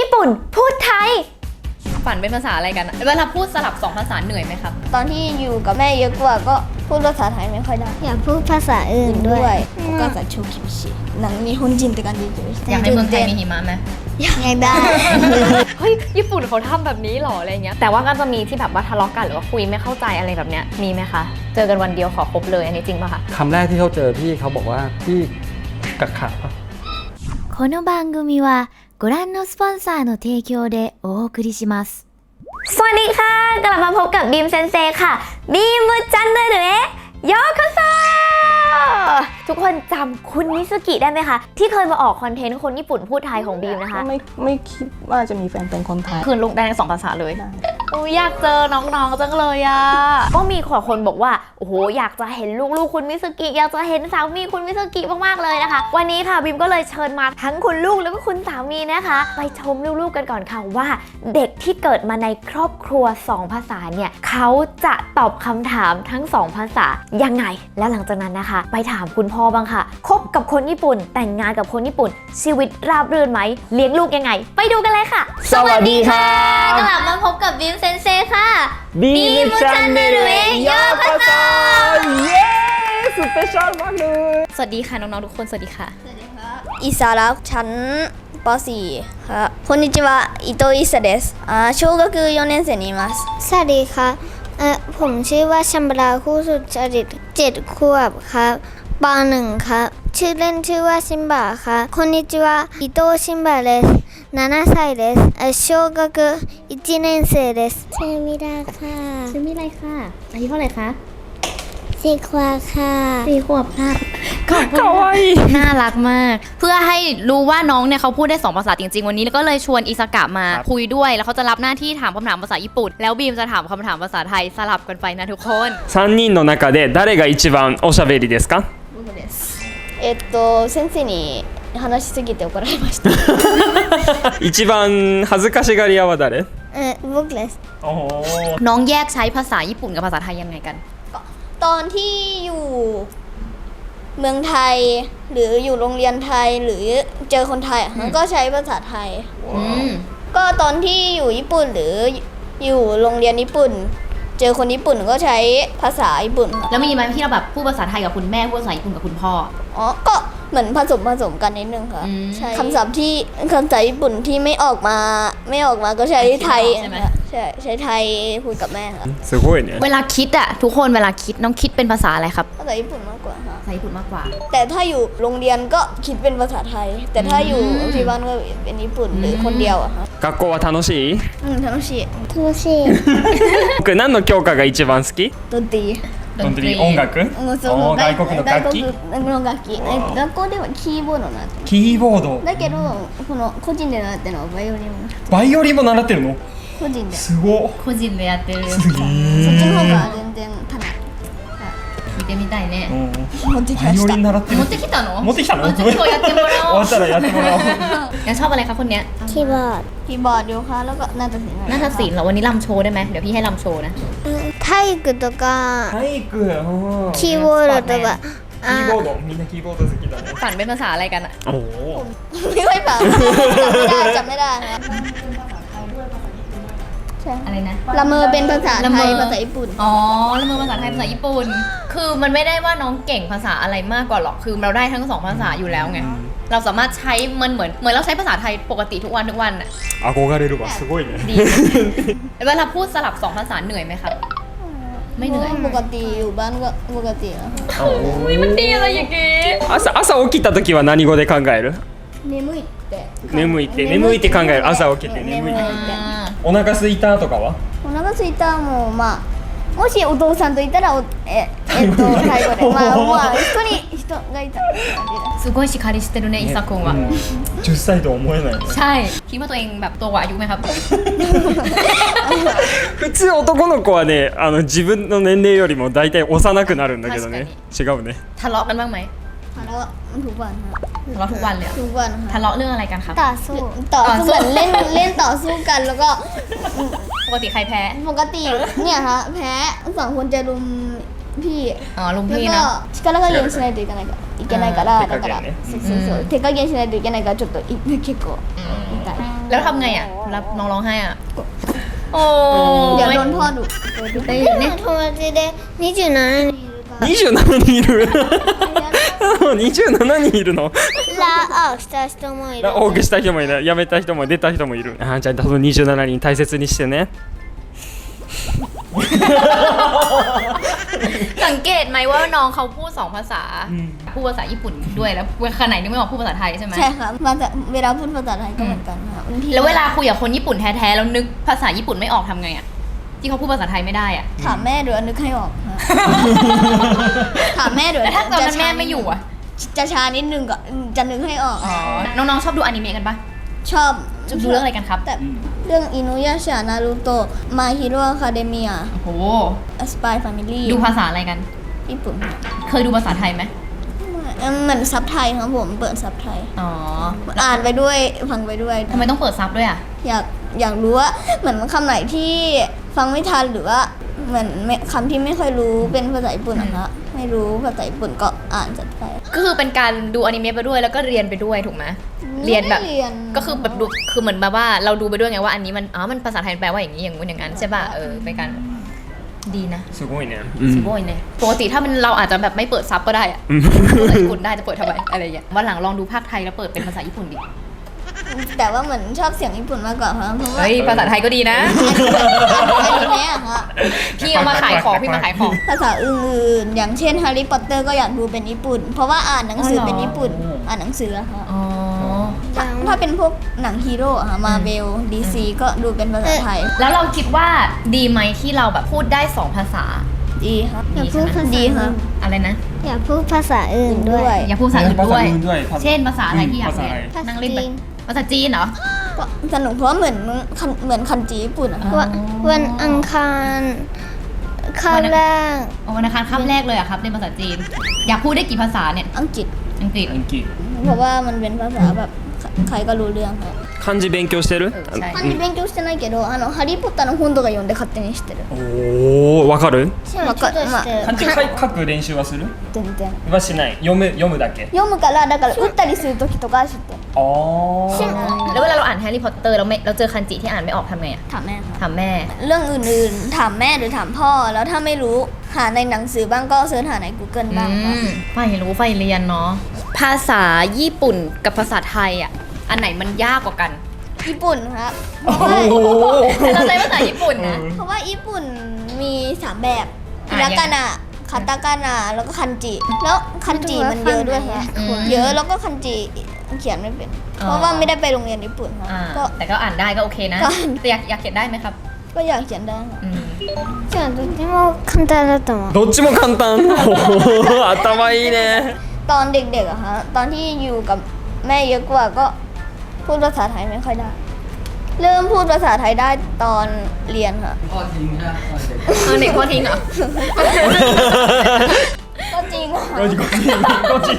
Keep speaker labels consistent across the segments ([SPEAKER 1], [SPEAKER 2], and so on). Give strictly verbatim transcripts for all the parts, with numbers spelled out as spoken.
[SPEAKER 1] ญี่ปุ่นพูดไทย
[SPEAKER 2] ฝันเป็นภาษาอะไรกันเวลาพูดสลับสองภาษาเหนื่อยไหมครับ
[SPEAKER 3] ตอนที่อยู่กับแม่เยอะกว่าก็พูดภาษาไทยไม่ค่อยได้
[SPEAKER 1] อยากพูดภาษาอื่นด้วย
[SPEAKER 3] โอกาส超厳しいなんか日本人って感じで
[SPEAKER 2] อยากให้เมืองไทยมีหิมะไหม
[SPEAKER 1] อยากได้
[SPEAKER 2] เฮ้ยญี่ปุ่นเขาทำแบบนี้หรออะไรเงี้ยแต่ว่าก็จะมีที่แบบว่าทะเลาะกันหรือว่าคุยไม่เข้าใจอะไรแบบเนี้ยมีไหมคะเจอกันวันเดียวขอคบเลยอันนี้จริงป่ะคะ
[SPEAKER 4] คำแรกที่เขาเจอพี่เขาบอกว่าพี่กักขาปะ
[SPEAKER 1] この番組はご覧のスポンサーの提供でお送りしますสวัสดีค่ะกลับมาพบกับบีมเซนเซค่ะบีมจันเดอร์เอะโยโกโซทุกคนจำคุณมิซุกิได้ไหมคะที่เคยมาออกคอนเทนต์คนญี่ปุ่นพูดไทยของบีมนะคะ
[SPEAKER 5] ไม่ไม่คิดว่าจะมีแฟนเป็นคนไทย
[SPEAKER 2] คืนลูกได้ทั้งสองภาษาเลยอยากเจอน้องๆจังเลยอ่ะก็มีขอคนบอกว่าโอ้โหอยากจะเห็นลูกๆคุณมิซุกิอยากจะเห็นสามีคุณมิซุกิมากๆเลยนะคะวันนี้ค่ะบีมก็เลยเชิญมาทั้งคุณลูกแล้วก็คุณสามีนะคะไปชมลูกๆกันก่อนค่ะว่าเด็กที่เกิดมาในครอบครัวสองภาษาเนี่ยเขาจะตอบคำถามทั้งสองภาษายังไงแล้วหลังจากนั้นนะคะไปถามคุณพ่อบ้างค่ะคบกับคนญี่ปุ่นแต่งงานกับคนญี่ปุ่นชีวิตราบรื่นไหมเลี้ยงลูกยังไงไปดูกันเลยค่ะ
[SPEAKER 4] สวัสดีค่ะ
[SPEAKER 1] กลับมาพบกับบีมเซนเซค่ะ
[SPEAKER 4] บีมจันเดอร์เอะโยโกโซเย้สเปเชียลมากเลย
[SPEAKER 2] สวัสดีค่ะน้องๆทุกคนสวัสดีค่ะ
[SPEAKER 3] อิสาระชั้นป .สี่ ครับこんにちは伊藤อิสาですอ่า小学よねん生にいます
[SPEAKER 1] สวัสดีค่ะเอ่อผมชื่อว่าชัมบราคู่สุจริตเจ็ดขวบครับปหนึ่งครับชื่อเล่นชื่อว่าชิมบะค่ะこんにちは伊藤ชิมบะですななさいです小学いちねん生ですชื่อมิราค่ะ
[SPEAKER 2] ชื่อมิไรค่ะอายุเท่าไหร่คะ
[SPEAKER 1] สี่ขวบค่ะ
[SPEAKER 2] สี่ขวบค่ะขอบคุณน่ารักมากเพื่อให้รู้ว่าน้องเนี่ยเขาพูดได้สองภาษาจริงๆวันนี้แล้วก็เลยชวนอิสากะมาคุยด้วยแล้วเขาจะรับหน้าที่ถามคำถามภาษาญี่ปุ่นแล้วบีมจะถามคำถามภาษาไทยสลับกันไปนะทุกคน
[SPEAKER 4] さんにんの中で誰が一番おしゃべりですか
[SPEAKER 3] えっと先生に話しすぎて怒られました
[SPEAKER 4] 一番恥ずかしがり屋は誰
[SPEAKER 1] เออ僕です
[SPEAKER 2] น้องแยกใช้ภาษาญี่ปุ่นกับภาษาไทยยังไงกัน
[SPEAKER 3] ตอนที่อยู่เมืองไทยหรืออยู่โรงเรียนไทยหรือเจอคนไทยมันก็ใช้ภาษาไทยก็ตอนที่อยู่ญี่ปุ่นหรืออยู่โรงเรียนญี่ปุ่นเจอคนญี่ปุ่นก็ใช้ภาษาญี่ปุ่น
[SPEAKER 2] แล้วมีไหมที่เราแบบพูดภาษาไทยกับคุณแม่พูดภาษาญี่ปุ่นกับคุณพ่อ
[SPEAKER 3] อ๋อก็เหมือนผสมผสมกันนิดนึงค่ะใช่คำศัพท์ที่คำศัพท์ญี่ปุ่นที่ไม่ออกมาไม่ออกมาก็ใช้ไทยใช่ไหมใช่ใช้ไทยพูดกับแม่ค่ะ
[SPEAKER 4] すごいね
[SPEAKER 2] เวลาคิดอะทุกคนเวลาคิดน้องคิดเป็นภาษาอะไรครับ
[SPEAKER 3] ภาษาญี่ปุ่นมากกว่าค่ะ
[SPEAKER 2] ภาษาญี่ปุ่นมากกว่า
[SPEAKER 3] แต่ถ้าอยู่โรงเรียนก็คิดเป็นภาษาไทยแต่ถ้าอยู่ที่บ้านก็เป็นญี่ปุ่นหรือคนเดียวอะค่ะ
[SPEAKER 4] 学校は楽しい
[SPEAKER 3] อืม楽しい
[SPEAKER 1] 楽しい
[SPEAKER 4] 僕何の教科が一番好き
[SPEAKER 3] ดนตรี
[SPEAKER 4] ดนตรี音楽外国の楽器
[SPEAKER 3] の楽器学校ではキーボード習って
[SPEAKER 4] キーボード
[SPEAKER 3] だけどこの個人で習ってるのはバイオリン
[SPEAKER 4] バイオリンも習ってるの
[SPEAKER 3] 個人
[SPEAKER 4] ですご
[SPEAKER 2] 個人でやってる
[SPEAKER 4] すげえ
[SPEAKER 3] そっちの方が全然ただ
[SPEAKER 2] 聞いてみたいね
[SPEAKER 3] 持ってきました
[SPEAKER 4] バイオリン習ってる
[SPEAKER 2] 持ってきたの
[SPEAKER 4] 持ってきたの
[SPEAKER 2] ちょっとやってもらおう
[SPEAKER 4] 終わったらやってもらおう
[SPEAKER 2] งั้นชอบอะไรคะคนเนี้ย
[SPEAKER 1] คีย์บอร์ด
[SPEAKER 3] คีย์บอร์ดโยคะแล้วก็นาฏศิลป์
[SPEAKER 2] นาฏศิลป์เหรอวันนี้รำโชว์ได้ไหมเดี๋ยวพี่ให้รำโชว์นะ
[SPEAKER 1] 体育とか
[SPEAKER 4] 体育
[SPEAKER 1] キーボードとか
[SPEAKER 4] キーボードみんなキーボード好きだね
[SPEAKER 2] ฝันเป็นภาษาอะไรกันอะ
[SPEAKER 4] โอ้โห
[SPEAKER 3] ไม่ค่อยฝันจำไม่ได้จำไม่ได้นะ
[SPEAKER 2] อะไรนะ
[SPEAKER 3] ละเมอเป็นภาษาไทยภาษาญี่ปุ่น
[SPEAKER 2] อ๋อละเมอภาษาไทยภาษาญี่ปุ่นคือมันไม่ได้ว่าน้องเก่งภาษาอะไรมากกว่าหรอกคือเราได้ทั้งสองภาษาอยู่แล้วไงเราสามารถใช้มันเหมือนเหมือนเราใช้ภาษาไทยปกติทุกวันทุกวันอะ
[SPEAKER 4] 憧れるわすごいね
[SPEAKER 2] ดีเวลาพูดสลับสองภาษาเหนื่อยไหมครับไม่เหนื่อย
[SPEAKER 3] ปกติอยู่บ้านก็ปกติแล้ว
[SPEAKER 2] โอ้ยมันดีอะไรอย่างงี้
[SPEAKER 4] 朝朝起きた時は何語で考える
[SPEAKER 3] 眠いって
[SPEAKER 4] 眠いって眠いって考える朝起きて眠いってお腹空いたとかは
[SPEAKER 3] お腹空いたもまあもしお父さんといたらおええっとタイ語でまあまあ人に人がいた
[SPEAKER 2] すごいしっかりしてるねอิซากุงは
[SPEAKER 4] じゅっさいと思えない
[SPEAKER 2] ใช่คิดว่าตัวเองแบบโตกว่าอายุไหมครับ
[SPEAKER 4] 普通男の子はねあの自分の年齢よりも大体幼くなるんだけどね違うね
[SPEAKER 2] ทะเลาะกันบ้างไหม
[SPEAKER 3] ทะเลาะทุกวัน
[SPEAKER 2] ทะเลาะทุกวันเลย
[SPEAKER 3] ทุกวัน
[SPEAKER 2] ทะเลาะเรื่องอะไรกันครับ
[SPEAKER 1] ต่อสู้
[SPEAKER 3] ต่อสู้เหมือนเล่นเล่นต่อสู้กันแล้วก็
[SPEAKER 2] ปกติใครแพ้
[SPEAKER 3] ปกติเนี่ยฮะแพ้สองคนจะรุมพี่
[SPEAKER 2] อ๋อรุมพี่นะ
[SPEAKER 3] 力加減しないといけないからいけないからだからそうそうそう手加減しないといけないからちょっと結構痛い
[SPEAKER 2] แล้วทำไงอ่ะรับน้องร้องไห้อ่ะโอ้
[SPEAKER 3] เดี๋ยวโดนพ่อดุ
[SPEAKER 2] ได้ยินเนี่ย
[SPEAKER 3] 友達でにじゅうななにんいるから
[SPEAKER 4] にじゅうななにんいるにじゅうななにんいるの
[SPEAKER 3] ラオした人もいる
[SPEAKER 4] 多くした人もいる辞めた人も出た人もいるあーじゃあそのにじゅうななにん大切にしてね
[SPEAKER 2] สังเกตไหมว่าน้องเขาพูดสองภาษาพูดภาษาญี่ปุ่นด้วยแล้วขณะนี้ไม่บอกพูดภาษาไทยใช่ไหม
[SPEAKER 3] ใช่ครับมาจากเวลาพูดภาษาไทยก็เหมือนกันครับบางที
[SPEAKER 2] แล้วเวลาคุยกับคนญี่ปุ่นแท้ๆแล้วนึกภาษาญี่ปุ่นไม่ออกทำไงอ่ะที่เขาพูดภาษาไทยไม่ได้อ่ะ
[SPEAKER 3] ถามแม่เดี๋ยวนึกให้ออกครับถามแม่เดี๋ยว
[SPEAKER 2] แล้วถ้าตอนนั้นแม่ไม่อยู่อ่ะ
[SPEAKER 3] จะช้านิดนึงก็จะนึกให้ออก
[SPEAKER 2] อ๋อน้องๆชอบดูอนิเมะกันปะ
[SPEAKER 3] ชอบ
[SPEAKER 2] ดูเรื่องอะไรกันครับ
[SPEAKER 3] แต่เรื่องอินุยาชานารูโตะมาฮิโร่อะคาเดเมีย
[SPEAKER 2] โอ้โห
[SPEAKER 3] สปายแฟมิลี่
[SPEAKER 2] ดูภาษาอะไรกัน
[SPEAKER 3] ญี่ปุ่น
[SPEAKER 2] เคยดูภาษาไทยไหม
[SPEAKER 3] เหมือนซับไทยครับผมเปิดซับไทย
[SPEAKER 2] อ๋อ
[SPEAKER 3] อ่านไปด้วยฟังไปด้วย
[SPEAKER 2] ทำไมต้องเปิดซับด้วยอ่ะ
[SPEAKER 3] อยากอยากรู้ว่าเหมือนคำไหนที่ฟังไม่ทันหรือว่าเหมือนไม่คำที่ไม่ค่อยรู้เป็นภาษาญี่ปุ่นนะคะไม่รู้ภาษาญี่ปุ่นก็อ่านซับไทย
[SPEAKER 2] ก็คือเป็นการดูอนิเมะไปด้วยแล้วก็เรียนไปด้วยถูกไหมเรียนแบบ
[SPEAKER 3] ไม่เรียน
[SPEAKER 2] ก็คือแบบดูคือเหมือนแบบว่าเราดูไปด้วยไงว่าอันนี้มันอ๋อมันภาษาไทยแปลว่าอย่างนี้อย่างงู้นอย่างนั้นใช่ป่ะเออเป็นการดีนะ
[SPEAKER 4] すごいね
[SPEAKER 2] สโบยเนี่ยปกติถ้ามันเราอาจจะแบบไม่เปิดซับก็ได้อะภาษาญี่ปุ่นได้จะเปิดทำไมอะไรอย่างเงี้ยวันหลังลองดูภาคไทยแล้วเปิดเป็นภาษาญี่ปุ่นดิ
[SPEAKER 3] แต่ว่าเหมือนชอบเสียงญี่ปุ่นมากกว่าครับเพราะว่า
[SPEAKER 2] เฮ้ยภาษาไทยก็ดีนะ
[SPEAKER 3] อนิเมะอะค่ะ
[SPEAKER 2] พี่เอามาขายของพี่มาขายของ
[SPEAKER 3] ภาษาอื่นๆ อย่างเช่น Harry Potter ก็อยากดูเป็นญี่ปุ่น เพราะว่าอ่านหนังสือเป็นญี่ปุ่น อ่านหนังสืออะค่ะ
[SPEAKER 2] อ๋อ
[SPEAKER 3] ถ้าถ้าเป็นพวกหนังฮีโร่อะค่ะมาเบลดีซีก็ดูเป็นภาษาไทย
[SPEAKER 2] แล้วเราคิดว่าดีไหมที่เราแบบพูดได้สองภาษา
[SPEAKER 3] ดีครับ
[SPEAKER 2] ดีใช่ไหม
[SPEAKER 3] ดีครับ
[SPEAKER 2] อะไรนะ
[SPEAKER 3] อยากพูดภาษาอื่นด้วย
[SPEAKER 2] อย่าพูดภาษาอื่นด้วย
[SPEAKER 4] ภาษาอื่นด้วย
[SPEAKER 2] เช่นภาษาอะไรที่อยากเรียน
[SPEAKER 3] ภาษาอะไร
[SPEAKER 2] นั่งเล่นไปภาษาจีนเหรอ
[SPEAKER 3] ก็สนุกเพราะว่าเหมือนคันเหมือนคันจีญี่ปุ่นอะ
[SPEAKER 2] อ๋อ
[SPEAKER 3] วันวันอังคารคาบแรก
[SPEAKER 2] อ๋อวันอังคารคาบแรกเลยอะครับเรียนภาษาจีน อยากพูดได้กี่ภาษาเนี่ย
[SPEAKER 3] อังกฤษ
[SPEAKER 2] อังกฤษ
[SPEAKER 4] 暗記
[SPEAKER 3] เพราะว่ามันเป็นภาษาแบบใครก็รู้เรื่องครับ
[SPEAKER 4] 漢字勉強してる
[SPEAKER 2] ใช่
[SPEAKER 3] 漢字勉強してないけどあのハリー・ポッターの本とか読んで勝手に知ってる
[SPEAKER 4] おおわかる
[SPEAKER 3] わかまあ
[SPEAKER 4] 漢字書い書く練習はする
[SPEAKER 3] 全然
[SPEAKER 4] はしない読む読むだけ
[SPEAKER 3] 読むからだから打ったりする時とか知ってる
[SPEAKER 4] ああ
[SPEAKER 2] แล้วเวลาเราอ่านแฮร์รี่พอตเตอร์เราไม่เราเจอคันจิที่อ่านไม่ออกทำไงอะ
[SPEAKER 3] ถามแม่ครับ
[SPEAKER 2] ถามแม่
[SPEAKER 3] เรื่องอื่นๆ ถามแม่หรือถามพ่อ แล้วถ้าไม่รู้หาในหนังสือบ้างก็เสิร์ชหาใน Google บ้างครับ
[SPEAKER 2] อืมใฝ่รู้ใฝ่เรียนเนาะ ภาษาญี่ปุ่นกับภาษาไทยอ่ะ อันไหนมันยากกว่ากัน
[SPEAKER 3] ญี่ปุ่นครับ
[SPEAKER 4] โอ้โห
[SPEAKER 2] เราใช้ภาษาญี่ปุ่นนะ
[SPEAKER 3] เพราะว่าญี่ปุ่นมีสามแบบ
[SPEAKER 2] อ่ะ
[SPEAKER 3] ฮิรากานะคาตาคานะแล้วก็คันจิ แล้วคันจิมันเยอะด้วยครับ
[SPEAKER 2] อืม
[SPEAKER 3] เยอะแล้วก็คันจิเขียนไม่เป็น
[SPEAKER 2] อ๋อ
[SPEAKER 3] เพราะว่าไม่ได้ไปโรงเรียนญี่ปุ่นครับ
[SPEAKER 2] อ่า
[SPEAKER 3] ก็
[SPEAKER 2] แต่ก็อ่านได้ก็โอเคนะ
[SPEAKER 3] ก็
[SPEAKER 2] แต่อยากอยากเขียนได้ไหมครับ
[SPEAKER 3] ก็อยากเขียนได้ครับ
[SPEAKER 2] อืม
[SPEAKER 3] じゃあどっちも簡単だと思う
[SPEAKER 4] どっちも簡単おー頭いいね
[SPEAKER 3] ตอนเด็กๆอะฮะตอนที่อยู่กับแม่เยอะกว่าก็พูดภาษาไทยไม่ค่อยได้ เริ่มพูดภาษาไทยได้ตอนเรียนค่ะ
[SPEAKER 2] เอาเด็กพ่อทิ้งเหรอ
[SPEAKER 3] ก็จริงค่ะ
[SPEAKER 4] ก็จริงก็จริง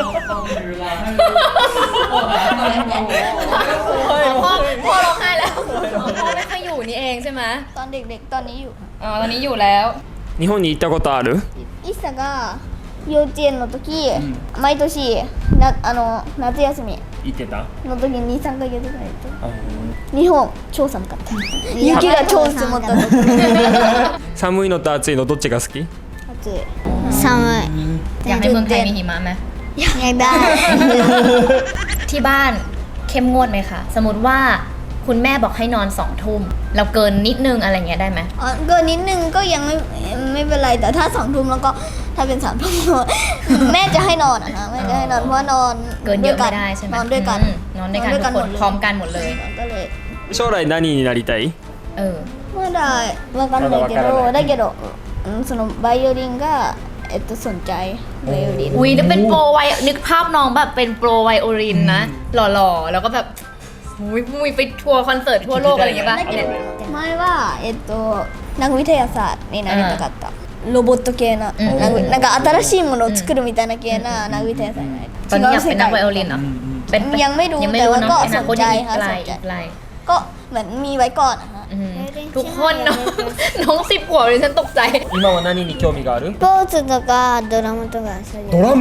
[SPEAKER 2] พ่อพ่อร้องไห้แล้ว พ่อไม่ค่อยอยู่นี่เองใช่ไหม
[SPEAKER 3] ตอนเด็กๆตอนนี้อยู่ค่ะ
[SPEAKER 2] อ๋อ ตอนนี้อยู่แล้ว
[SPEAKER 4] 日本に行ったことある
[SPEAKER 3] อิสが幼稚園の時、毎年なあの夏休み
[SPEAKER 4] 行ってた
[SPEAKER 3] の時にに、さんかげつぐらい行って日本超寒かった雪が超積もった時
[SPEAKER 4] 寒いのと暑いのどっちが好き
[SPEAKER 3] 暑い寒
[SPEAKER 2] อยากให้เมืองไทยมีหิมะไหม
[SPEAKER 3] いอยากได้
[SPEAKER 2] ที่บ้านเข้มงวดไหมคะ สมมติว่าคุณแม่บอกให้นอนสองทุ่ม เราเกินนิดนึงอะไรเงี้ยได้ไหม
[SPEAKER 3] อ๋อเกินนิดนึงก็ยังไม่ไม่เป็นไรแต่ถ้าสองทุ่มแล้วก็ถ้าเป็นสามทุ่ม แม่จะให้นอนอะนะแม่จะให้นอนเพราะว่านอน
[SPEAKER 2] เกินเยอะไม่ได้ใช่ไหม
[SPEAKER 3] นอนด้วยกัน
[SPEAKER 2] อืมนอนด้วยกันทุกคนพร้อมกันหมดเลย
[SPEAKER 3] ก็เลย
[SPEAKER 4] 将来何になりたい
[SPEAKER 2] เออ
[SPEAKER 3] まだわかんないけ
[SPEAKER 4] まだわからない
[SPEAKER 3] どだけどうんそのバイオリンがえっとสนใจไบโอลิน
[SPEAKER 2] อุ้ยนึกเป็นโปรไวนึกภาพน้องแบบเป็นโปรไวโอลินนะ หล่อๆ แล้วก็แบบอุ้ยมุยไปทัวร์คอนเสิร์ตทั่วโลกอะไรอย่างเงี้ยป่ะ
[SPEAKER 3] だけど前はえっとนักวิทยาศาสตร์になりたかったロボット系な
[SPEAKER 2] うん
[SPEAKER 3] なんかなんか新しいものを作るみたいな系なนักวิทยาศาสตร์になり
[SPEAKER 2] ตอนนี้อยากเป็นนักไวโอลินเหรอเป็น
[SPEAKER 3] ยังไม่รู้
[SPEAKER 2] ยังไม่
[SPEAKER 3] แต่
[SPEAKER 2] รู้
[SPEAKER 3] ว่า
[SPEAKER 2] เนาะ
[SPEAKER 3] ก็
[SPEAKER 2] อนาคต
[SPEAKER 3] สนใจ
[SPEAKER 2] ยังอีก
[SPEAKER 3] ค่ะ
[SPEAKER 2] ไกล
[SPEAKER 3] สนใจ
[SPEAKER 2] อีกไกล
[SPEAKER 3] ก็เหมือนมีไว้ก่อนอะฮะ
[SPEAKER 2] อืมทุกคนเนาะ น้องสิบขวบเลยฉันตกใจ
[SPEAKER 4] 今は何に興味がある
[SPEAKER 3] スポーツとかドラムとかそういう
[SPEAKER 4] ドラム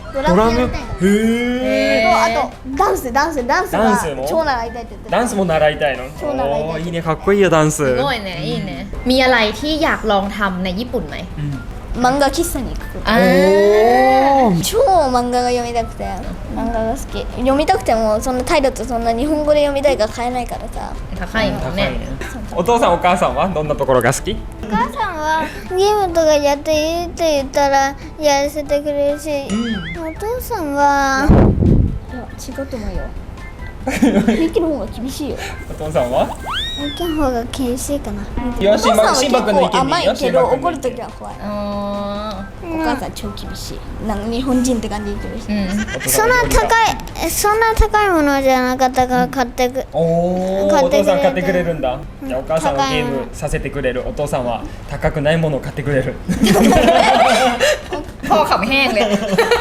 [SPEAKER 3] ドラムやりたい
[SPEAKER 4] へえ
[SPEAKER 3] とあとダンスダンスダンスが
[SPEAKER 4] ダンスも
[SPEAKER 3] 超習いたいって言ってた
[SPEAKER 4] ダンスも習いたいの
[SPEAKER 3] 超習いたい
[SPEAKER 4] おーいいねかっこいいよダンス
[SPEAKER 2] すごいねいいねมีอะไรที่อยากลองทำในญี่ปุ่นไหม
[SPEAKER 3] 漫画喫茶に行くこと
[SPEAKER 2] อ่า
[SPEAKER 3] 超漫画が読みたくて漫画が好き読みたくてもそんなタイだとそんな日本語で読みたいから買えないからさ
[SPEAKER 2] 高いもん
[SPEAKER 4] 高い
[SPEAKER 2] ね
[SPEAKER 4] ねお父さんお母さんはどんなところが好き
[SPEAKER 3] お母さんはゲームとかやっていいって言ったらやらせてくれるし、お父さんはいや違うと思うよミキの方が厳しいよ
[SPEAKER 4] お父さんは
[SPEAKER 3] ミキの方が厳しいかな。
[SPEAKER 4] いや
[SPEAKER 3] お父さんは結
[SPEAKER 4] シンバ君の意見でいいよ
[SPEAKER 3] 構甘いけど
[SPEAKER 4] シンバ君の意見
[SPEAKER 3] 怒るときは怖い。
[SPEAKER 2] อ๋อ
[SPEAKER 3] お母さん超厳しい。なんか日本人って感じで厳しい。
[SPEAKER 2] うん
[SPEAKER 3] そんな高いそんな高いものじゃなかったから買ってく。
[SPEAKER 4] おーお
[SPEAKER 3] 買ってくれて
[SPEAKER 4] 父さん買ってくれるんだじゃあお母さんはゲームさせてくれるお父さんは高くないものを買ってくれる
[SPEAKER 2] พ่อขำแห้งเลย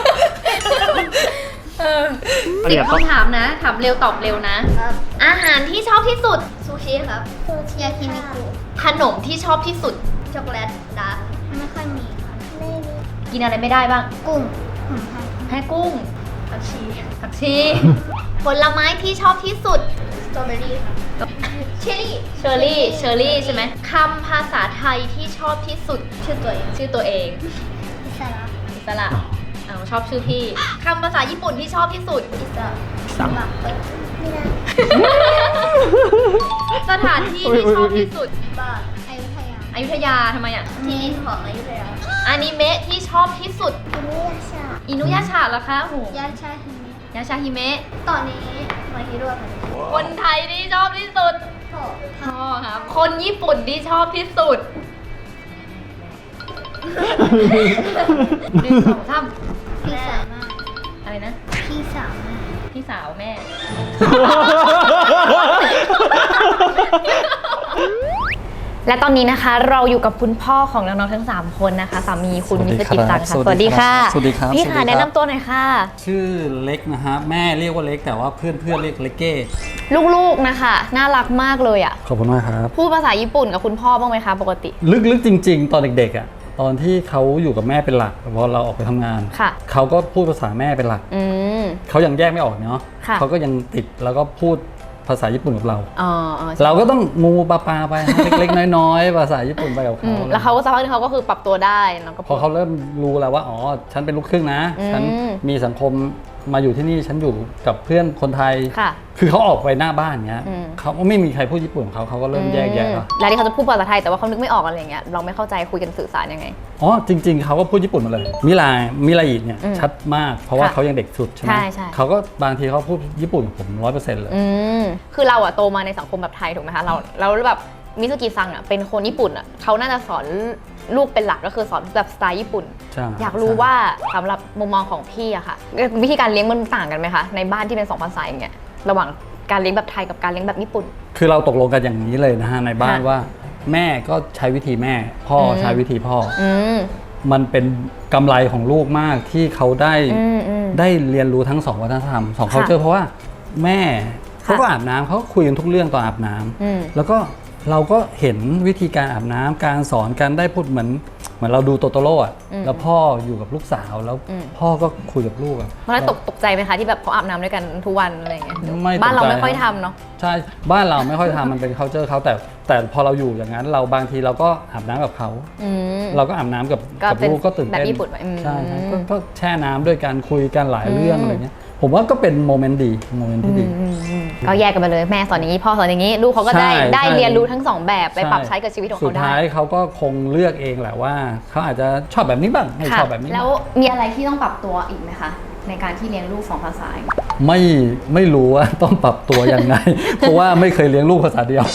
[SPEAKER 2] เออสิบคำถามนะถามเร็วตอบเร็วนะ อาหารที่ชอบที่สุด
[SPEAKER 3] ซูชิครับซูชิยากินิคุ
[SPEAKER 2] ขนมที่ชอบที่สุด
[SPEAKER 3] ช็อกโกแลตดาร์กไม่ค่อยมีค่ะไม่มี
[SPEAKER 2] กินอะไรไม่ได้บ้าง
[SPEAKER 3] กุ้งหอยไทย
[SPEAKER 2] แพ้กุ้ง
[SPEAKER 3] ผักชี
[SPEAKER 2] ผักชี ผลไม้ที่ชอบที่สุด
[SPEAKER 3] สตรอเบอรี่ค่ะเชอร์รี่
[SPEAKER 2] เชอร์รี่ เชอร์รี่ใช่ไหมคำภาษาไทยที่ชอบที่สุด
[SPEAKER 3] ชื่อตัวเอง
[SPEAKER 2] ชื่อตัวเอง
[SPEAKER 3] อิสระ
[SPEAKER 2] อิสระเอาชอบชื่อพี่คำภาษาญี่ปุ่นที่ชอบที่สุด
[SPEAKER 3] อิสระสมัครไม่ได้
[SPEAKER 2] สถานที่ที่ชอบที่สุด
[SPEAKER 3] บ้านอยุธยา
[SPEAKER 2] อยุธยาทำไมอ่ะ
[SPEAKER 3] ที่นี่ของอยุธยา
[SPEAKER 2] อนิเมะที่ชอบที่สุด
[SPEAKER 3] อินุยาชา
[SPEAKER 2] อินุยาชาเหรอคะโอ้โห
[SPEAKER 3] ยาชาฮิมิ
[SPEAKER 2] ยาชาฮิเมะ
[SPEAKER 3] ตอนนี้มาฮิโร่ค่ะ
[SPEAKER 2] คนไทยที่ชอบที่สุด
[SPEAKER 3] พ่อ
[SPEAKER 2] พ่อครับ คนญี่ปุ่นที่ชอบที่สุดหนึ่งสองสาม
[SPEAKER 3] พี่สาวมาก
[SPEAKER 2] อะไรนะ
[SPEAKER 3] พี่สาวมาก
[SPEAKER 2] พี่สาวแม่ และตอนนี้นะคะเราอยู่กับคุณพ่อของน้องๆทั้งสามคนนะคะสามีคุณมิสกิซังค่ะ
[SPEAKER 6] สวัสดีครับ
[SPEAKER 2] สวัสดีค่ะ
[SPEAKER 6] สวัสดีครับ
[SPEAKER 2] พี่
[SPEAKER 6] สวัสดี
[SPEAKER 2] ค่ะ
[SPEAKER 6] ครับ
[SPEAKER 2] แนะนำตัวหน่อยค่ะ
[SPEAKER 6] ชื่อเล็กนะฮะแม่เรียกว่าเล็กแต่ว่าเพื่อนเพื่อนๆเรียกเล็กเก้
[SPEAKER 2] ลูกๆนะคะน่ารักมากเลยอ่ะ
[SPEAKER 6] ขอบคุณมากครับ
[SPEAKER 2] พูดภาษาญี่ปุ่นกับคุณพ่อบ้างไหมคะปกติ
[SPEAKER 6] ลึกๆจริง ๆ ตอนเด็กๆอ่ะตอนที่เขาอยู่กับแม่เป็นหลักพอเราออกไปทำงาน
[SPEAKER 2] ค่ะ
[SPEAKER 6] เขาก็พูดภาษาแม่เป็นหลัก
[SPEAKER 2] อืม
[SPEAKER 6] เขายังแยกไม่ออกเนาะ
[SPEAKER 2] ค่ะ
[SPEAKER 6] เขาก็ยังติดแล้วก็พูดภาษาญี่ปุ่นกับเรา
[SPEAKER 2] อ๋ออ๋อ
[SPEAKER 6] เราก็ต้องงูปลาปลาไปฮะ เล็กๆน้อยๆภาษาญี่ปุ่นไปกับ
[SPEAKER 2] อื
[SPEAKER 6] เขา
[SPEAKER 2] มแล้วเขาก็สักพักหนึงเขาก็คือปรับตัวได้น้องก็
[SPEAKER 6] พอเขาเริ่มรู้แล้วว่าอ๋อฉันเป็นลูกครึ่งนะ
[SPEAKER 2] อืม
[SPEAKER 6] ฉันมีสังคมมาอยู่ที่นี่ฉันอยู่กับเพื่อนคนไทย
[SPEAKER 2] ค่ะ
[SPEAKER 6] คือเขาออกไปหน้าบ้านเงี้ย
[SPEAKER 2] อืม
[SPEAKER 6] เขาไม่มีใครพูดญี่ปุ่นของเขาเขาก็เริ่มแยกแยะแล้ว
[SPEAKER 2] แล้วที่เขาจะพูดภาษาไทยแต่ว่าเขานึกไม่ออกอะไรอย่างเงี้ยเราไม่เข้าใจคุยกันสื่อสารยังไง
[SPEAKER 6] อ๋อจริง ๆเขาก็พูดญี่ปุ่นมาเลยมิลามิลาอิเนี่ย
[SPEAKER 2] อืม
[SPEAKER 6] ชัดมากเพราะว่า
[SPEAKER 2] ค่ะ
[SPEAKER 6] เขายังเด็กสุดใช่ไหม
[SPEAKER 2] ใช่ใช่
[SPEAKER 6] เขาก็บางทีเขาพูดญี่ปุ่นกับผมร้อยเปอร์เซ็นต์เลย
[SPEAKER 2] อืมคือเราอะโตมาในสังคมแบบไทยถูกไหมคะเราเราแบบมิสุกิซังอะเป็นคนญี่ปุ่นอะเขาน่าจะสอนลูกเป็นหลักก็คือสอนแบบสไตล์ญี่ปุ่น
[SPEAKER 6] ใช่
[SPEAKER 2] อยากรู้
[SPEAKER 6] ใช่
[SPEAKER 2] ว่าสำหรับมุมมองของพี่อะค่ะ วิธีการเลี้ยงมันต่างกันไหมคะในบ้านที่เป็นสองภาษาอย่างเงี้ยระหว่างการเลี้ยงแบบไทยกับการเลี้ยงแบบญี่ปุ่น
[SPEAKER 6] คือเราตกลงกันอย่างนี้เลยนะฮะในบ้าน
[SPEAKER 2] ค่ะ
[SPEAKER 6] ว่าแม่ก็ใช้วิธีแม่พ่ออ
[SPEAKER 2] ม
[SPEAKER 6] ใช้วิธีพ่ออ
[SPEAKER 2] อืม
[SPEAKER 6] มันเป็นกำไรของลูกมากที่เขาได้
[SPEAKER 2] อืมอืม
[SPEAKER 6] ได้เรียนรู้ทั้งสองวัฒนธรรมสอง
[SPEAKER 2] ค่ะ
[SPEAKER 6] culture เพราะว่าแม่เขาก็
[SPEAKER 2] ค่ะ
[SPEAKER 6] อาบน้ำเขาก็คุยกันทุกเรื่องตอนอาบน้ำ
[SPEAKER 2] อืม
[SPEAKER 6] แล้วก็เราก็เห็นวิธีการอาบน้ำการสอนการได้พูดเหมือนเหมือนเราดูโตโตโร่อะ
[SPEAKER 2] อืม
[SPEAKER 6] แล้วพ่ออยู่กับลูกสาวแล้ว
[SPEAKER 2] อืม
[SPEAKER 6] พ่อก็คุยกับลูกอะ
[SPEAKER 2] มันตกตกใจไหมคะที่แบบเขาอาบน้ำด้วยกันทุกวันอะไรอย่างเงี้ย
[SPEAKER 6] ไม่ตกใจ
[SPEAKER 2] บ้านเราไม่ค่อยทำเนาะ
[SPEAKER 6] ใช่บ้านเราไม่ค่อยทำมันเป็น culture เขาแต่แต่พอเราอยู่อย่างนั้น เราบางทีเราก็อาบน้ำกับเขา
[SPEAKER 2] อืม
[SPEAKER 6] เราก็อาบน้ำกับ
[SPEAKER 2] ก็
[SPEAKER 6] กับ
[SPEAKER 2] เป็น
[SPEAKER 6] ลูกก็ตื่นเต้น
[SPEAKER 2] แบบญี่ปุ่นไว้อืม
[SPEAKER 6] ใช่ใช่ก็ก็แช่น้ำด้วยกันคุยกันหลายเรื่อง
[SPEAKER 2] อืม
[SPEAKER 6] อะไรเงี้ยผมว่าก็เป็นโมเมนต์ดีโมเมนต์ที่ดี
[SPEAKER 2] อืมอืมก็แยกกันไปเลยแม่สอนอย่างนี้พ่อสอนอย่างนี้ลูกเขาก็ได้
[SPEAKER 6] ใช่
[SPEAKER 2] ได้
[SPEAKER 6] ใช่
[SPEAKER 2] เรียนรู้ทั้งสองแบบไปปรับใช้กับชีวิตของ
[SPEAKER 6] สุ
[SPEAKER 2] เขา
[SPEAKER 6] ด
[SPEAKER 2] ได้
[SPEAKER 6] ท้ายเขาก็คงเลือกเองแหละว่าเขาอาจจะชอบแบบนี้บ้างไม่
[SPEAKER 2] ค่ะ
[SPEAKER 6] ชอบแบบนี้
[SPEAKER 2] แล้ว
[SPEAKER 6] บ้าง
[SPEAKER 2] มีอะไรที่ต้องปรับตัวอีกไหมคะในการที่เลี้ยงลูกสองภาษา
[SPEAKER 6] ไม่ไม่รู้ว่าต้องปรับตัวยัง ไง เพราะว่าไม่เคยเลี้ยงลูกภาษาเดียว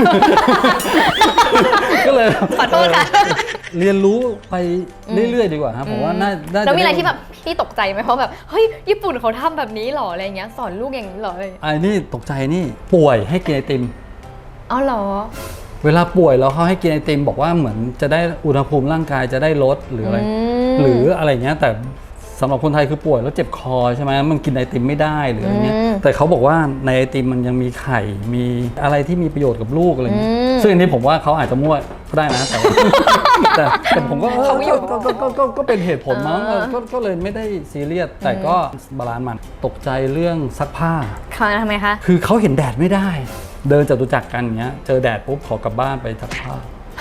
[SPEAKER 6] ก็เลย
[SPEAKER 2] ขอโทษค่ะ
[SPEAKER 6] เออเรียนรู้ไปเรื่อยๆ ดีกว่าครับผมว่าน่าน่าจะ
[SPEAKER 2] แล้วมีอะไร
[SPEAKER 6] ด้
[SPEAKER 2] ที่แบบพี่ตกใจไหมเพราะแบบเฮ้ยญี่ปุ่นเขาทำแบบนี้หรออะไรเงี้ยสอนลูกอย่างนี้หรออะไร
[SPEAKER 6] ไอ้นี่ตกใจนี่ป่วยให้กินไอติม
[SPEAKER 2] อ๋อเหรอ
[SPEAKER 6] เวลาป่วยแล้วเขาให้กินไอติมบอกว่าเหมือนจะได้อุณหภูมิร่างกายจะได้ลดหรืออะไร
[SPEAKER 2] อืม
[SPEAKER 6] หรืออะไรเงี้ยแต่สำหรับคนไทยคือป่วยแล้วเจ็บคอใช่ไหมมันกินไอติมไม่ได้หรืออะไรเงี้ย
[SPEAKER 2] อืม
[SPEAKER 6] แต่เขาบอกว่าในไอติมมันยังมีไข่มีอะไรที่มีประโยชน์กับลูกอะไรเงี้ย
[SPEAKER 2] อืม
[SPEAKER 6] ซึ่งอันนี้ผมว่าเขาอาจจะมั่วก็ได้นะแต่ว่า แต่แต่ผมก็เออก็ก็ก็ก็ก็เป็นเหตุผลมั้งเออก็ก็เลยไม่ได้ซีเรียสแต่ก็บาลานซ์มันตกใจเรื่องซักผ้า
[SPEAKER 2] เขาทำไมคะ
[SPEAKER 6] คือเขาเห็นแดดไม่ได้ เดินจตุจักรกันอย่างเงี้ยเจอแดดปุ๊บขอกลับบ้านไปซักผ้า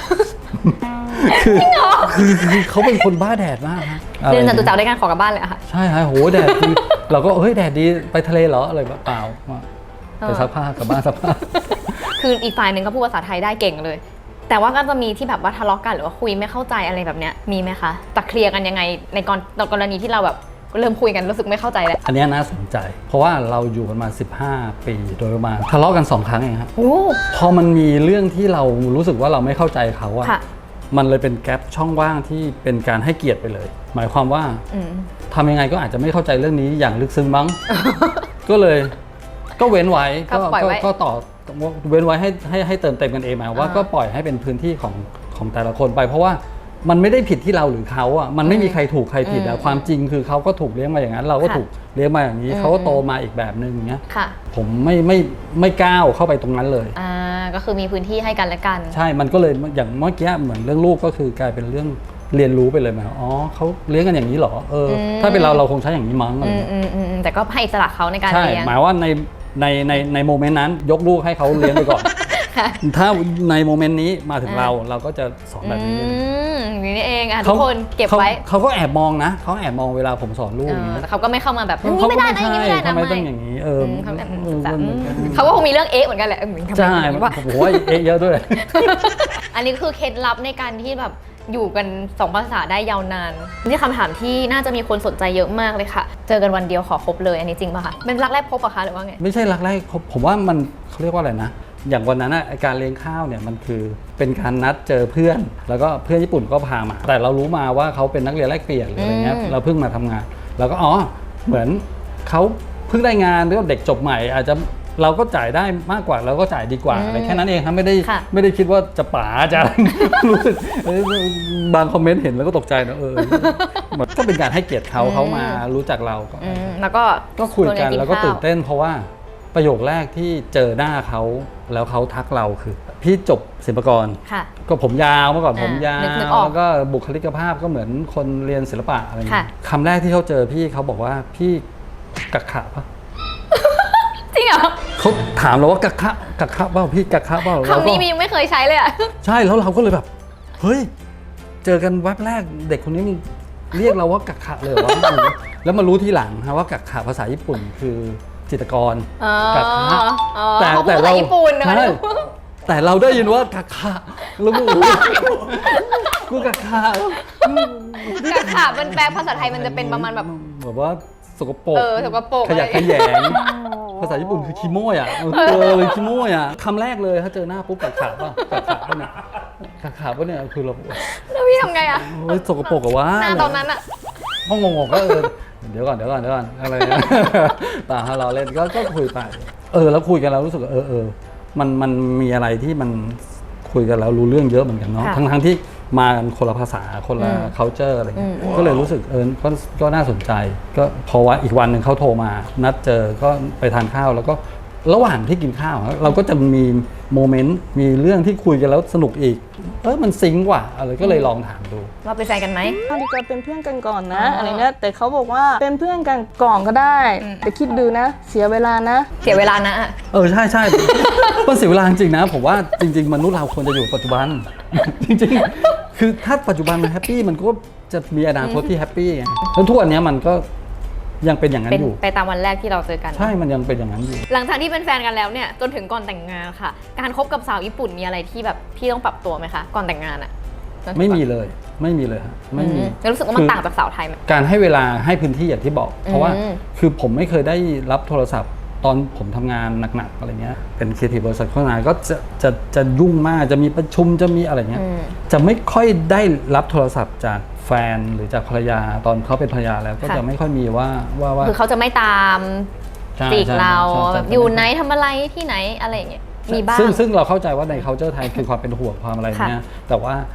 [SPEAKER 6] คือคือคือเขาเป็นคนบ้าแดดมากฮะ
[SPEAKER 2] เดินจตุจักร
[SPEAKER 6] อะไร
[SPEAKER 2] ด้วยกันขอกลับบ้านเลยอะค่ะ
[SPEAKER 6] ใช่ฮะโหแดดคือเราก็เฮ้ยแดดดีไปทะเลเหรออะไรแบบเปล่าไปซักผ้ากลับบ้านซักผ้า
[SPEAKER 2] คืออีกฝ่ายหนึ่งก็พูดภาษาไทยได้เก่งเลย แต่ว่าก็จะมีที่แบบว่าทะเลาะกันหรือว่าคุยไม่เข้าใจอะไรแบบเนี้ยมีไหมคะจะเคลียร์กันยังไงในกรในกรณีที่เราแบบเริ่มคุยกันรู้สึกไม่เข้าใจแล้ว
[SPEAKER 6] อันเนี้ยน่าสนใจ เพราะว่าเราอยู่กันมาสิบห้าปีโดยประมาณทะเลาะกันสองครั้งเองครับ
[SPEAKER 2] โอ้
[SPEAKER 6] พอมันมีเรื่องที่เรารู้สึกว่าเราไม่เข้าใจเขาอะ
[SPEAKER 2] ค่ะ
[SPEAKER 6] มันเลยเป็นแกลบช่องว่างที่เป็นการให้เกียรติไปเลย หมายความว่า
[SPEAKER 2] อืม
[SPEAKER 6] ทำยังไงก็อาจจะไม่เข้าใจเรื่องนี้อย่างลึกซึ้งมั้ง ก็เลยก็เว้นไว้
[SPEAKER 2] ก็ปล่อยไว้
[SPEAKER 6] ก็ต่อเว้นไว้ให้ให้ให้เติมเต็มกันเองหมายว่า
[SPEAKER 2] อ่า
[SPEAKER 6] ก็ปล่อยให้เป็นพื้นที่ของของแต่ละคนไป เพราะว่ามันไม่ได้ผิดที่เราหรือเขาอ่ะมันไม่มีใครถูกใครผิดอะความจริงคือเขาก็ถูกเลี้ยงมาอย่างนั้น เราก็
[SPEAKER 2] ค่ะ
[SPEAKER 6] ถูกเลี้ยงมาอย่างนี้
[SPEAKER 2] อืม
[SPEAKER 6] เขาก็โตมาอีกแบบนึงอย่างเงี้ย
[SPEAKER 2] ค่ะ
[SPEAKER 6] ผมไม่ไม่ไม่ก้าวเข้าไปตรงนั้นเลย
[SPEAKER 2] อ่าก็คือมีพื้นที่ให้กันและกัน
[SPEAKER 6] ใช่ มันก็เลยอย่างเมื่อกี้เหมือนเรื่องลูกก็คือกลายเป็นเรื่องเรียนรู้ไปเลยไหมอ๋อเขาเลี้ยงกันอย่างนี้เหรอเอออ
[SPEAKER 2] ม
[SPEAKER 6] ถ้าเป็นเราเราคงใช้อย่างนี้มั้งอะไร
[SPEAKER 2] อืม
[SPEAKER 6] เงี้ย
[SPEAKER 2] อืมอืมอืมแต่ก็ให้อิสระเขาในการ
[SPEAKER 6] ใช่
[SPEAKER 2] เลี้ยง
[SPEAKER 6] หมายว่าในในในในโมเมนต์นั้นยกลูกให้เขาเลี้ยงไปก่อน
[SPEAKER 2] ค่ะ
[SPEAKER 6] ถ้าในโมเมนต์นี้มาถึง
[SPEAKER 2] อ่า
[SPEAKER 6] เราเราก็จะสอนแบบนี้เลย
[SPEAKER 2] อืมอย่างนี้เองอ่ะทุกคนเก็บไว้
[SPEAKER 6] เขาเขาก็แอบมองนะเขาแอบมองเวลาผมสอนลูก
[SPEAKER 2] เอ
[SPEAKER 6] อย่าง
[SPEAKER 2] อ
[SPEAKER 6] นี้
[SPEAKER 2] แต่เขาก็ไม่เข้ามาแบบอย่างนี้
[SPEAKER 6] เขา
[SPEAKER 2] ไม่
[SPEAKER 6] ก็
[SPEAKER 2] ได้
[SPEAKER 6] ไม่
[SPEAKER 2] นะอย่าง
[SPEAKER 6] ใช่
[SPEAKER 2] นี้ไม่ได้นะ
[SPEAKER 6] ทำไม
[SPEAKER 2] ไม่
[SPEAKER 6] ต้องอย่างนี้เออ
[SPEAKER 2] อืมเขาแบบ
[SPEAKER 6] เออ
[SPEAKER 2] จะ
[SPEAKER 6] มันเหมือนกัน
[SPEAKER 2] เขาก็คงมีเรื่องเอ๊ะเหมือนกันแหละเออทำไม
[SPEAKER 6] ใช่
[SPEAKER 2] อย่างนี้วะ
[SPEAKER 6] ผมว่าเอ๊ะเยอะด้วย
[SPEAKER 2] อันนี้คือเคล็ดลับในการที่แบบอยู่กันสองภาษาได้ยาวนานนี่คำถามที่น่าจะมีคนสนใจเยอะมากเลยค่ะ เจอกันวันเดียวขอคบเลยอันนี้จริงป่ะคะเป็นรักแรกพบปะคะหรือว่าไง
[SPEAKER 6] ไม่ใช่รักแรกผมผมว่ามันเขาเรียกว่าอะไรนะ อย่างวันนั้นอะไอ้การเลี้ยงข้าวเนี่ยมันคือเป็นการนัดเจอเพื่อน แล้วก็เพื่อนญี่ปุ่นก็พามา แต่เรารู้มาว่าเขาเป็นนักเรียนแลกเปลี่ยนหรืออะไรเงี้ย
[SPEAKER 2] อืม
[SPEAKER 6] เราเพิ่งมาทำงาน แล้วก็อ๋อเหมือนเขาเพิ่งได้งานหรือว่าเด็กจบใหม่ อาจจะเราก็จ่ายได้มากกว่าเราก็จ่ายดีกว่าอะไรแค่นั้นเองครับไม่ได้
[SPEAKER 2] ค่ะ
[SPEAKER 6] ไม่ได้คิดว่าจะป๋าจะ รู้สึกเอ้ยบางคอมเมนต์เห็นแล้วก็ตกใจนะเออเหมือนก็เป็นการให้เกียรติเขาเขามารู้จักเราก็
[SPEAKER 2] อืมแล้วก็
[SPEAKER 6] ก็คุยกัน
[SPEAKER 2] ชว
[SPEAKER 6] แล้วก็
[SPEAKER 2] ข้า
[SPEAKER 6] ตื่นเต้นเพราะว่าประโยคแรกที่เจอหน้าเขาแล้วเขาทักเราคือ พี่จบศิลปากร
[SPEAKER 2] ค่ะ
[SPEAKER 6] ก็ผมยาวเมื่อก่อน
[SPEAKER 2] อ่า
[SPEAKER 6] ผมยาว
[SPEAKER 2] นึกนึกออก
[SPEAKER 6] แล้วก็บุคลิกภาพก็เหมือนคนเรียนศิลปะอะไรอย่างเงี้ย
[SPEAKER 2] ค่ะ
[SPEAKER 6] คำแรกที่เขาเจอพี่เขาบอกว่าพี่กักขะปะ
[SPEAKER 2] จริงเหรอ
[SPEAKER 6] เขาถามเราว่ากักขะกักขะเปล่าพี่กักขะเปล่าเรา
[SPEAKER 2] คำ
[SPEAKER 6] ก็
[SPEAKER 2] นี้มียังไม่เคยใช้เลยอ่ะ
[SPEAKER 6] ใช่แล้วเราก็เลยแบบเฮ้ยเจอกันแวบแรกเด็กคนนี้มึงเรียกเราว่ากักขะเลยเหรอวะ แล้วมารู้ทีหลังฮะว่ากักขะภาษาญี่ปุ่นคือจิตรกร
[SPEAKER 2] อ๋อ
[SPEAKER 6] กักขะ
[SPEAKER 2] อ๋อเขาพูดภาษาญี่ปุ่นนะคะ
[SPEAKER 6] ใช่แต่เราได้ยินว่ากักขะแล้วกูกูกักขะ
[SPEAKER 2] กะขามันแปลภาษาไทยมันจะเป็นประมาณแบบ
[SPEAKER 6] แบบว่าสกปรก
[SPEAKER 2] เออสกปรก
[SPEAKER 6] ขยะ
[SPEAKER 2] อะไร
[SPEAKER 6] แขยงภาษาญี่ปุ่นคือคิโมยอ่ะเออเลยคิโมยอ่ะคำแรกเลยถ้าเจอหน้าปุ๊บกักขะป่ะกักขะป่ะเนี่ยกักขะป่ะเนี่ยคือเรา
[SPEAKER 2] แล้วพี่ทำไงอ่ะ
[SPEAKER 6] เฮ้ยสกปรกอะวะ
[SPEAKER 2] หน้าตอนนั้นอ่ะ
[SPEAKER 6] ห้องงงๆก็เออเดี๋ยวก่อนเดี๋ยวก่อนเดี๋ยวก่อนอะไรนะตาเราเล่นก็ก็คุยไปเออแล้วคุยกันแล้วรู้สึกว่าเออเออมันมันมีอะไรที่มันคุยกันแล้วรู้เรื่องเยอะเหมือนกันเนาะ
[SPEAKER 2] ค่ะ
[SPEAKER 6] ทั้งทั้งที่มากันคนละภาษาคนละ
[SPEAKER 2] อืม
[SPEAKER 6] culture อะไรเงี้ย
[SPEAKER 2] อืม
[SPEAKER 6] ก็เลยรู้สึกเออก็ก็น่าสนใจ ก็พอว่าอีกวันหนึ่งเขาโทรมา นัดเจอก็ไปทานข้าวแล้วก็ระหว่างที่กินข้าวอะเราก็จะมีโมเมนต์มีเรื่องที่คุยกันแล้วสนุกอีกเออมันซิงก์ว่ะอะไรก็เลยลองถามดู
[SPEAKER 2] ว่าเป็นแฟนกันไหม
[SPEAKER 5] ดีกว่าเป็นเพื่อนกันก่อนนะ
[SPEAKER 2] อ๋ออ
[SPEAKER 5] อะไรเงี้ยแต่เขาบอกว่าเป็นเพื่อนกันก่อนก็ได้
[SPEAKER 2] อืม
[SPEAKER 5] แต่คิดดูนะ เสียเวลานะ
[SPEAKER 2] เสียเวลานะอะ
[SPEAKER 6] เออใช่ใช่ มันเสียเวลาจริงๆนะผมว่าจริง ๆ มนุษย์เราควรจะอยู่ปัจจุบัน จริงๆ คือถ้าปัจจุบันมันแฮปปี้มันก็จะมีอนาคตที่แฮปปี้ไงแล้วทุกวันนี้มันก็ยังเป็นอย่างนั้
[SPEAKER 2] เป็น
[SPEAKER 6] นอยู่
[SPEAKER 2] ไปตามวันแรกที่เราเจอกัน
[SPEAKER 6] ใช่มันยังเป็นอย่างนั้นอยู่
[SPEAKER 2] หลังจากที่เป็นแฟนกันแล้วเนี่ยจนถึงก่อนแต่งงานค่ะ การคบกับสาวญี่ปุ่นมีอะไรที่แบบพี่ต้องปรับตัวไหมคะก่อนแต่งงานอะจนถึง
[SPEAKER 6] ไม่มีเลยไม่มีเลยฮะไม่มี
[SPEAKER 2] อืมแล้วรู้สึกว่ามันต่างจากสาวไทยไหม
[SPEAKER 6] การให้เวลาให้พื้นที่อย่างที่บอก เพราะว่า
[SPEAKER 2] อืม
[SPEAKER 6] คือผมไม่เคยได้รับโทรศัพท์ ตอนผมทำงานหนักๆอะไรเงี้ยเป็นครีเอทีฟบริษัทโฆษณาก็จะจะจะยุ่งมากจะมีประชุมจะมีอะไรเงี้ย
[SPEAKER 2] อืม
[SPEAKER 6] จะไม่ค่อยได้รับโทรศัพท์จากแฟนหรือจากภรรยาตอนเขาเป็นภรรยาแล้วก็
[SPEAKER 2] ค่ะ
[SPEAKER 6] จะไม่ค่อยมีว่าว่าว่า
[SPEAKER 2] คือเขาจะไม่ตาม
[SPEAKER 6] ใช่
[SPEAKER 2] จีก
[SPEAKER 6] ใช่
[SPEAKER 2] เรา
[SPEAKER 6] ใช่ใช่
[SPEAKER 2] อยู่ไหนทำอะไรที่ไหนอะไรอย่างเงี้ยมีบ้าง
[SPEAKER 6] ซึ่งซึ่งเราเข้าใจว่าใน culture ไทยคือความเป็นห่วงความอะไรเงี้ยแต่ว่า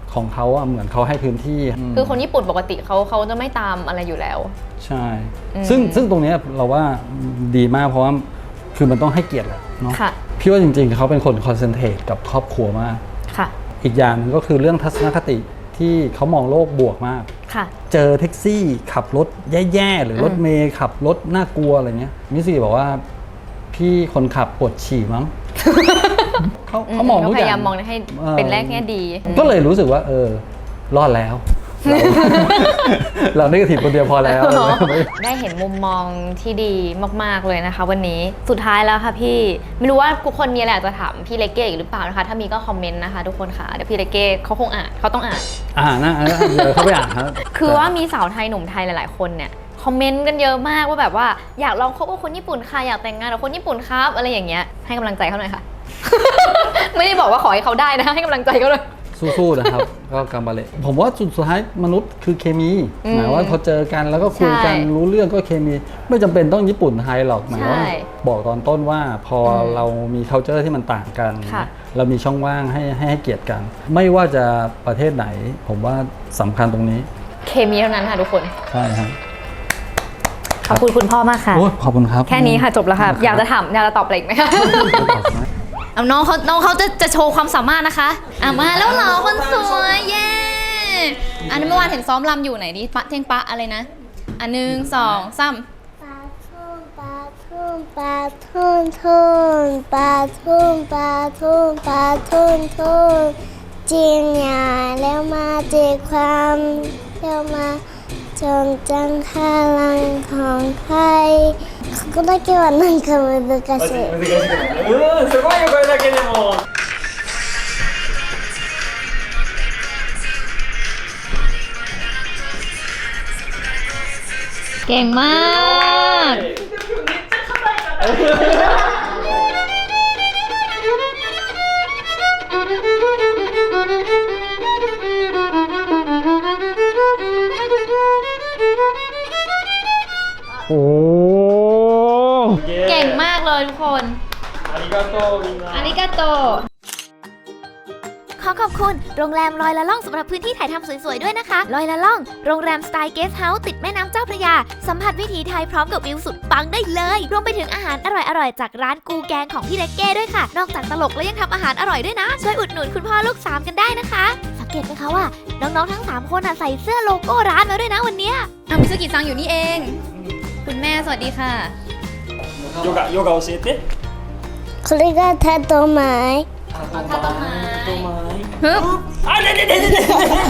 [SPEAKER 6] ของเขาอะเหมือนเขาให้พื้นที่ม
[SPEAKER 2] คือคนญี่ปุ่นปกติเขาเขาจะไม่ตามอะไรอยู่แล้ว
[SPEAKER 6] ใช่
[SPEAKER 2] อืม
[SPEAKER 6] ซึ่งซึ่งตรงเนี้ยเราว่าดีมากเพราะว่าคือมันต้องให้เกียรติแหละเนาะ
[SPEAKER 2] ค่ะ
[SPEAKER 6] พี่ว่าจริงๆเขาเป็นคนคอนเซนเทรตกับครอบครัวมาก
[SPEAKER 2] ค่ะ
[SPEAKER 6] อีกอย่างหนึงก็คือเรื่องทัศนคติที่เขามองโลกบวกมาก
[SPEAKER 2] ค่ะ
[SPEAKER 6] เจอแท็กซี่ขับรถแย่ๆหรือรถเมย์ขับรถน่ากลัวอะไรเงี้ยมิสซี่บอกว่าพี่คนขับปวดฉี่มั้ง เขาเขามองทุก
[SPEAKER 2] พ
[SPEAKER 6] อย่าง
[SPEAKER 2] ยายามมองให้เป็นแรกแง่ดี
[SPEAKER 6] ก็เลยรู้สึกว่า เออ รอดแล้ว เรา เราได้กระถิ่นคนเดียวพอแล้ว
[SPEAKER 2] ได้เห็นมุมมองที่ดีมากๆเลยนะคะ วันนี้สุดท้ายแล้วค่ะพี่ไม่รู้ว่าทุกคนมีอะไรอยากจะถามพี่เลเก้อีกหรือเปล่านะคะ ถ้ามีก็คอมเมนต์นะคะทุกคนค่ะเดี๋ยวพี่เลเก้เขาคงอ่านเขาต้องอ่าน
[SPEAKER 6] อ่านะอ่าเดี๋ยวเขาไปอ่านครับ
[SPEAKER 2] คือว่ามีสาวไทยหนุ่มไทยหลาย ๆ คนเนี่ยคอมเมนต์กันเยอะมากว่าแบบว่าอยากลองคบกับคนญี่ปุ่นค่ะอยากแต่งงานกับคนญี่ปุ่นครับอะไรอย่างเงี้ยให้กำลังใจเขาหน่อยค่ะ ไม่ได้บอกว่าขอให้เขาได้นะให้กำลังใจเขาเลย
[SPEAKER 6] สู้ๆนะครับ ก็กำบาเละผมว่าสุดท้ายมนุษย์คือเคมี
[SPEAKER 2] อืม
[SPEAKER 6] หมายว่าพอเจอกันแล้วก็คุยกัน
[SPEAKER 2] ใช่
[SPEAKER 6] รู้เรื่องก็เคมี ไม่จำเป็นต้องญี่ปุ่นไทยหรอกหมายว่า
[SPEAKER 2] ใช่
[SPEAKER 6] บอกตอนต้นว่าพออ
[SPEAKER 2] ม
[SPEAKER 6] เรามี culture ที่มันต่างกัน
[SPEAKER 2] ค่ะ
[SPEAKER 6] เรามีช่องว่างให้ให้ให้เกียรติกัน ไม่ว่าจะประเทศไหน ผมว่าสำคัญตรงนี้
[SPEAKER 2] เคมีเท่านั้นค่ะทุกคน
[SPEAKER 6] ใช่ครับ
[SPEAKER 2] ขอบคุณคุณพ่อมากค่ะ
[SPEAKER 6] โอ้ยขอบคุณครับ
[SPEAKER 2] แค่นี้ค่ะจบแล้วค่ะ
[SPEAKER 6] ขณ
[SPEAKER 2] อยากจะถามอยากจะตอบอะไรอีกไหมคะ
[SPEAKER 6] ครับ
[SPEAKER 2] เอาน้องเขาน้องเขาจะจะโชว์ความสามารถนะคะอ่ะมาแล้วเหรอคนสวยเย้อันนี้เมื่อวานเห็นซ้อมรำอยู่ไหนดิปะเท่งปะอะไรนะอันหนึ่งสองสาม
[SPEAKER 3] ปลาทุ่งปลาทุ่งปลาทุ่งทุ่งปลาทุ่งปลาทุ่งปลาทุ่งทุ่งจริงอย่าแล้วมาเจอความแล้วมาจงจังพลังของใครここだけはなんか難しい。
[SPEAKER 4] うんすごいよこれだけでも
[SPEAKER 2] เก่งมาก
[SPEAKER 4] おー
[SPEAKER 2] เก่งมากเลยทุกคน
[SPEAKER 4] ありがとうみんな
[SPEAKER 2] อาริกาโต
[SPEAKER 1] ขอขอบคุณโรงแรมลอยละล่องสำหรับพื้นที่ถ่ายทำสวยๆด้วยนะคะลอยละล่องโรงแรมสไตล์เกสต์เฮาส์ติดแม่น้ำเจ้าพระยาสัมผัสวิถีไทยพร้อมกับวิวสุดปังได้เลยรวมไปถึงอาหารอร่อยๆจากร้านกูแกงของพี่เล็กเก้ด้วยค่ะ นอกจากตลกแล้วยังทำอาหารอร่อยด้วยนะช่วยอุดหนุนคุณพ่อลูกสามกันได้นะคะสังเกตไหมคะว่าน้องๆทั้งสามคนอ่ะใส่เสื้อโลโก้ร้านมาด้วยนะวันเนี้ย
[SPEAKER 2] อ่ะมิสกิซังอยู่นี่เอง คุณแม่สวัสดีค่ะ
[SPEAKER 4] ヨガヨガ教えて
[SPEAKER 3] これがタトマイ。
[SPEAKER 2] ถ้าต้นไม้
[SPEAKER 4] あででででで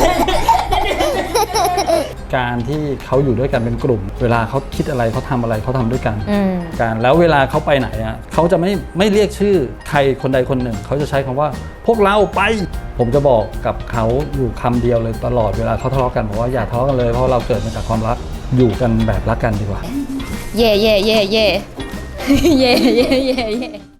[SPEAKER 6] การที่เขาอยู่ด้วยกันเป็นกลุ่ม เวลาเขาคิดอะไรเขาทำอะไรเขาทำด้วยกัน
[SPEAKER 2] อืม
[SPEAKER 6] การแล้วเวลาเขาไปไหนอ่ะเขาจะไม่ไม่เรียกชื่อใครคนใดคนหนึ่ง เขาจะใช้คำว่า พวกเราไป ผมจะบอกกับเขาอยู่คำเดียวเลยตลอดเวลาเขาทะเลาะกันบอกว่าอย่าทะเลาะกันเลยเพราะเราเกิดมาจากความรักอยู่กันแบบรักกันดีกว่า
[SPEAKER 2] เย่เย่เย่เย่ เย่เย่เย่เย่